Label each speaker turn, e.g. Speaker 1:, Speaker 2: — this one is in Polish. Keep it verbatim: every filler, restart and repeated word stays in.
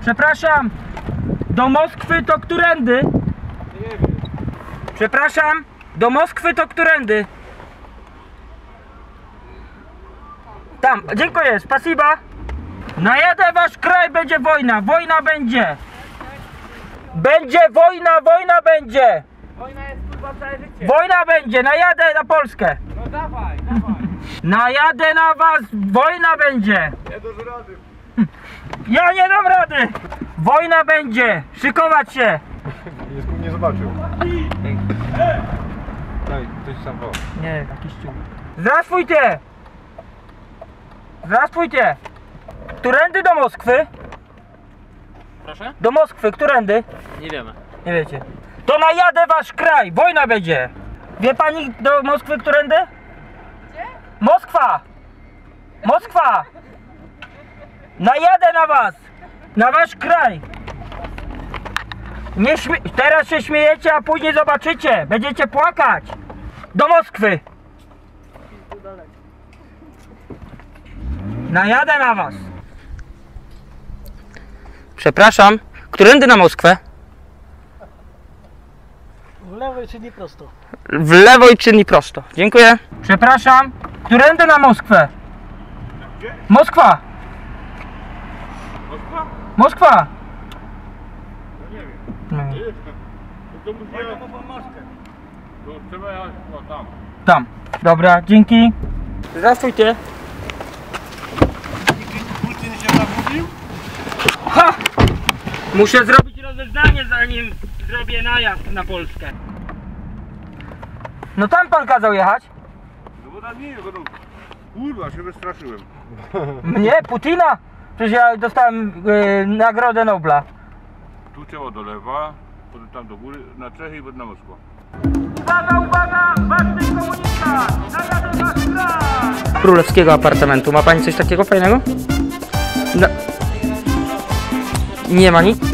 Speaker 1: Przepraszam, do Moskwy to którędy?
Speaker 2: Nie wiem.
Speaker 1: Przepraszam, do Moskwy to którędy? Tam, dziękuję, spasiba. Najadę wasz kraj, będzie wojna, wojna będzie. Będzie wojna, wojna będzie.
Speaker 2: Wojna jest kurwa całe życie.
Speaker 1: Wojna będzie, najadę na Polskę.
Speaker 2: No dawaj, dawaj.
Speaker 1: Najadę na was, wojna będzie.
Speaker 2: Nie dasz rady.
Speaker 1: Ja nie dam rady. Wojna będzie, szykować się.
Speaker 3: Nie, nie zobaczył. Daj, ktoś sam woła.
Speaker 1: Nie, jakiś ciuch. Здравствуйте! Здравствуйте! Którędy do Moskwy?
Speaker 2: Proszę?
Speaker 1: Do Moskwy, którędy?
Speaker 2: Nie wiemy.
Speaker 1: Nie wiecie. To najadę wasz kraj, wojna będzie. Wie pani do Moskwy którędy? Gdzie? Moskwa! Moskwa! Najadę na was! Na wasz kraj! Nie śmie Teraz się śmiejecie, a później zobaczycie. Będziecie płakać. Do Moskwy! Najadę na was. Przepraszam, którędy na Moskwę?
Speaker 4: W lewo i czyni prosto.
Speaker 1: W lewo i czyni prosto. Dziękuję. Przepraszam, którędy na Moskwę?
Speaker 3: Gdzie?
Speaker 1: Moskwa!
Speaker 3: Moskwa?
Speaker 1: Moskwa!
Speaker 3: No nie wiem.
Speaker 1: No,
Speaker 3: Nie jestem. To musi jechać po Moskwie. To trzeba jechać o, tam.
Speaker 1: tam. Dobra, dzięki. Zdравствуйте.
Speaker 3: Putin się zabudził?
Speaker 1: Ha! Muszę zrobić rozeznanie, zanim zrobię najazd na Polskę. No tam pan kazał jechać?
Speaker 3: No bo tam nie, bo no... Kurwa, się wystraszyłem.
Speaker 1: Mnie? Putina? Przecież ja dostałem yy, Nagrodę Nobla.
Speaker 3: Tu trzeba do lewa, potem tam do góry, na Czechy i potem na Moskwę.
Speaker 1: Uwaga, uwaga! Ważny komunikat! Najadę wasz kraj! Królewskiego apartamentu. Ma pani coś takiego fajnego? No. Nie ma nic?